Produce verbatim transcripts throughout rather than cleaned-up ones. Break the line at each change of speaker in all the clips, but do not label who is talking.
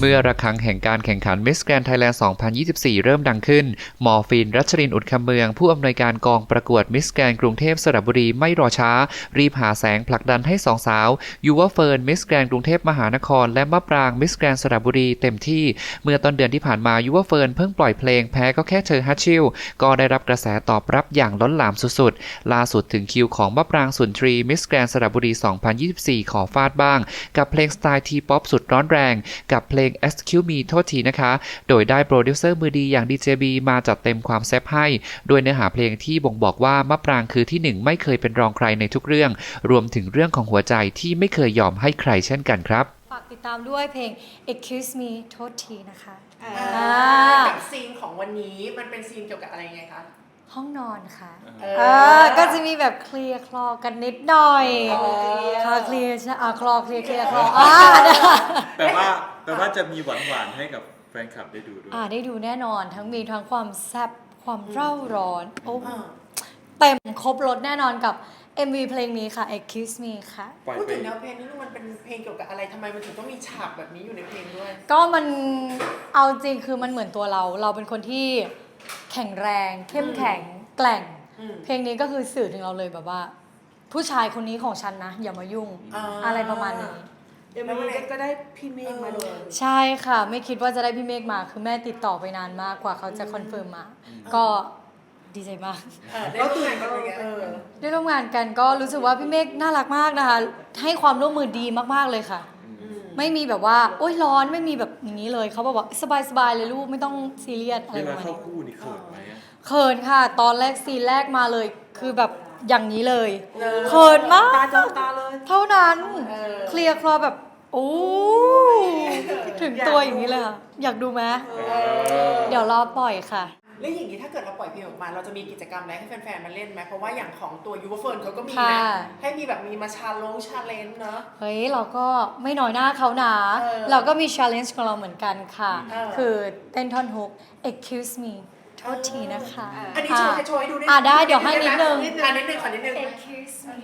เมื่อระฆังแห่งการแข่งขัน Miss Grand Thailand สองพันยี่สิบสี่ เริ่มดังขึ้นหมอฟิน รัชรินทร์ อุดคำเมืองผู้อำนวยการกองประกวด Miss Grand กรุงเทพสระบุรีไม่รอช้ารีบหาแสงผลักดันให้สองสาวยูวเฟิร์น Miss Grand กรุงเทพมหานครและมะปราง Miss Grand สระบุรีเต็มที่เมื่อต้นเดือนที่ผ่านมายูวเฟิร์นเพิ่งปล่อยเพลงแพ้ก็แค่เธอฮัตชิลก็ได้รับกระแสตอบรับอย่างล้นหลามสุดๆล่าสุดถึงคิวของมะปรางสุนทรี Miss Grand สระบุรี สองพันยี่สิบสี่ ขอฟาดบ้างกับเพลงสไตล์ทีป๊อปสุดร้อนแรงกับเพลง Excuse Me โทษทีนะคะโดยได้โปรดิวเซอร์มือดีอย่าง ดี เจ บี มาจัดเต็มความแซ่บให้ด้วยเนื้อหาเพลงที่บ่งบอกว่ามะปรางคือที่หนึ่งไม่เคยเป็นรองใครในทุกเรื่องรวมถึงเรื่องของหัวใจที่ไม่เคยยอมให้ใครเช่นกันครับ
ฝากติดตามด้วยเพลง Excuse Me โทษทีนะคะ
กับซีนของวันนี้มันเป็นซีนเกี่ยวกับอะไรไงคะ
ห้องนอนค่ะเออก็จะมีแบบเคลียร์คลอกันนิดหน่อยคลอเคลียร์ใช่อ่ะคลอเคลียร์เคลียร์คลออ่า
แต่ว่าแต่ว่าจะมีหวานหวานให้กับแฟนคลับได้ดูด้วย
อ่าได้ดูแน่นอนทั้งมีทั้งความแซ่บความเร่าร้อนโอ้เต็มครบรสแน่นอนกับ เอ็ม วี เพลงนี้ค่ะ Excuse Me ค่ะ
พูดถึงแนวเพลงนี้มันเป็นเพลงเกี่ยวกับอะไรทำไมมันถึงต้องมีฉากแบบนี้อยู่ในเพลงด้วย
ก็มันเอาจริงคือมันเหมือนตัวเราเราเป็นคนที่แข็งแรงเข้มแข็งแกร่งเพลงนี้ก็คือสื่อถึงเราเลยแบบว่าผู้ชายคนนี้ของฉันนะอย่ามายุ่ง อ, อะไรประมาณนี้
เดี๋ยวมันก็ได้พี่เมฆมาด้วย
ใช่ค่ะไม่คิดว่าจะได้พี่เมฆมาคือแม่ติดต่อไปนานมากกว่าเขาจะคอนเฟิร์มมาก็ดีใจมาก
ได้ร่วมงานกัน
ได้ร่วมงานกันก็รู้สึกว่าพี่เมฆน่ารักมากนะคะให้ความร่วมมือดีมากๆเลยค่ะไม่มีแบบว่าโอ๊ยร้อนไม่มีแบบอย่างนี้เลยเขาบอกว่าสบายๆเลยลูกไม่ต้องซีเรียสอะไรประมาณนี้
เวลาเข้าคู่นี่เขินไหม
เขินค่ะตอนแรกซีนแรกมาเลยคือแบบอย่างนี้เลยเขินมาก
ตาจอตาเลย
เท่านั้นเคลียร์คลอแบบโอ้ถึงตัวอย่างนี้เลยค่ะอยากดูไหมเดี๋ยวรอปล่อยค่ะ
แล้วอย่างนี้ถ้าเกิดเราปล่อยเพลงออกมาเราจะมีกิจกรรมอะไรให้แฟนๆมาเล่นไหมเพราะว่าอย่างของตัวยูวเฟิร์นเขาก็มีนะให้มีแบบมีมาชาลงชาเลนจ์เนาะ
เฮ้ยเราก็ไม่น้อยหน้าเขานะเราก็มีชาเลนจ์ของเราเหมือนกันค่ะคือเต้นท่อนฮุก Excuse Me โทษทีนะคะ
อันนี้โชว์ให้โชว์ให้ดูได้
อ่ะได้เดี๋ยวให้นิดนึง
อ่ะนิดนึงขอนิดนึง
Excuse Me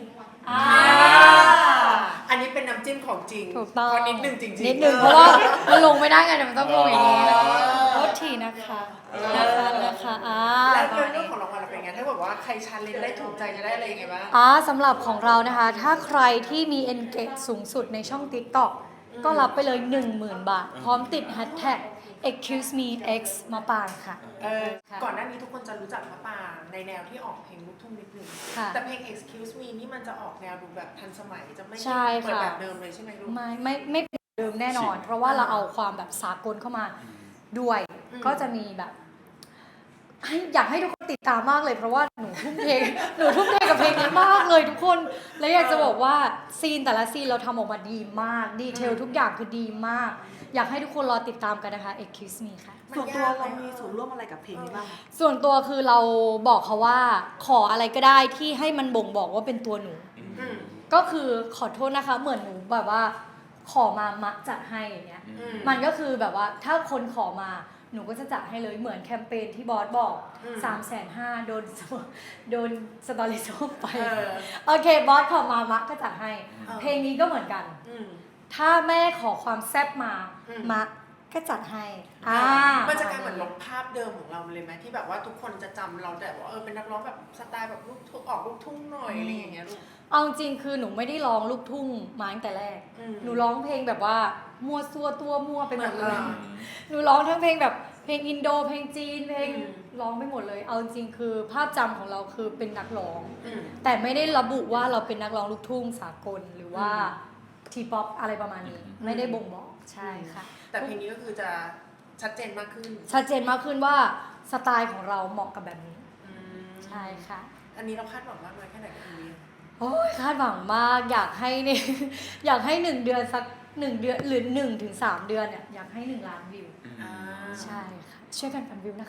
อันนี้เป็นน้ำจิ้มของจริง
ถูกต้อง
นิดนึงจริง
ๆนิดนึงเพราะว่ามันลงไม่ได้ไงมันต้องลงอย่างนี้โทษทีนะคะนะคะนะคะอ่า
แล้วเรื่องของรางวัลเป็นไงถ้าบอกว่าใครชาเลนจ์ได้ถูกใจจะได้อะไรยังไงบ้าง
อ่าสำหรับของเรานะคะถ้าใครที่มี engage สูงสุดในช่อง TikTok ก็รับไปเลย หนึ่งหมื่น บาทพร้อมติด hashtag excuse me x มาปางค่ะ
เออก่อนหน้านี้ทุกคนจะรู้จักมะปรางในแนวที่ออกเพลงลูกทุ่งนิดนึงแต่เพลง excuse me นี่มันจะออกแนวดูแบบทันสมัยจะไม่ใช่เปิดแบบเดิมเลยใช่ไหมลูก
ไม่ไม่ไม่เป็นเดิมแน่นอนเพราะว่าเราเอาความแบบสากลเข้ามาด้วยก็จะมีแบบให้อยากให้ทุกคนติดตามมากเลยเพราะว่าหนูทุ่มเทหนูทุ่มเทกับเพลงนี้มากเลยทุกคนและอยากจะบอกว่าซีนแต่ละซีนเราทำออกมาดีมากดีเทลทุกอย่างคือดีมากอยากให้ทุกคนรอติดตามกันนะคะ Excuse Me ค่ะ
ส่วนตัวเรามีส่วนร่วมอะไรกับเพลงนี้บ้าง
ส่วนตัวคือเราบอกเขาว่าขออะไรก็ได้ที่ให้มันบ่งบอกว่าเป็นตัวหนูก็คือขอโทษนะคะเหมือนหนูแบบว่าขอมามักจัดให้อย่างเงี้ยมันก็คือแบบว่าถ้าคนขอมาหนูก็จะจัดให้เลยเหมือนแคมเปญที่บอสบอก สามแสนห้าหมื่น โดนโดนสตอรี่ส้มไปโอเคบอสขอมามักก็จัดให้เพลงนี้ก็เหมือนกันถ้าแม่ขอความแซ่บมามักก็จัดให้อ่า
มันจะกลายเหมือนลบภาพเดิมของเราเลยไหมที่แบบว่าทุกคนจะจำเราแต่ว่าเออเป็นนักร้องแบบสไตล์แบบลูกทุ่งออกลูกทุ่งหน่อยอะไรอย่างเงี้ยลูก
เอาจริงคือหนูไม่ได้ร้องลูกทุ่งมาตั้งแต่แรกหนูร้องเพลงแบบว่ามั่วซั่วตัวมั่วไปหมดเลยหนูร้องทั้งเพลงแบบเพลงอินโดเพลงจีนเพลงร้องไปหมดเลยเอาจริงคือภาพจำของเราคือเป็นนักร้องแต่ไม่ได้ระบุว่าเราเป็นนักร้องลูกทุ่งสากลหรือว่าทีป๊อปอะไรประมาณนี้ไม่ได้บ่งบอกใช่ค่ะ
แต่เพลงนี้ก็คือจะชัดเจนมากขึ้น
ชัดเจนมากขึ้นว่าสไตล์ของเราเหมาะกับแบบนี้ใช่ค่ะ
อันนี้เราคาดหวังมากน้อยแค่ไหนกับเพลงนี้
โอ้ยคาดหวังมากอยากให้เนี่ยอยากให้หนึ่งเดือนสักหนึ่งเดือนหรือหนึ่งถึงสามเดือนเนี่ยอยากให้หนึ่งล้านวิวใช่ค่ะช่วยกันปั่นวิว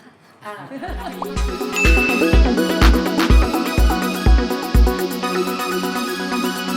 นะคะ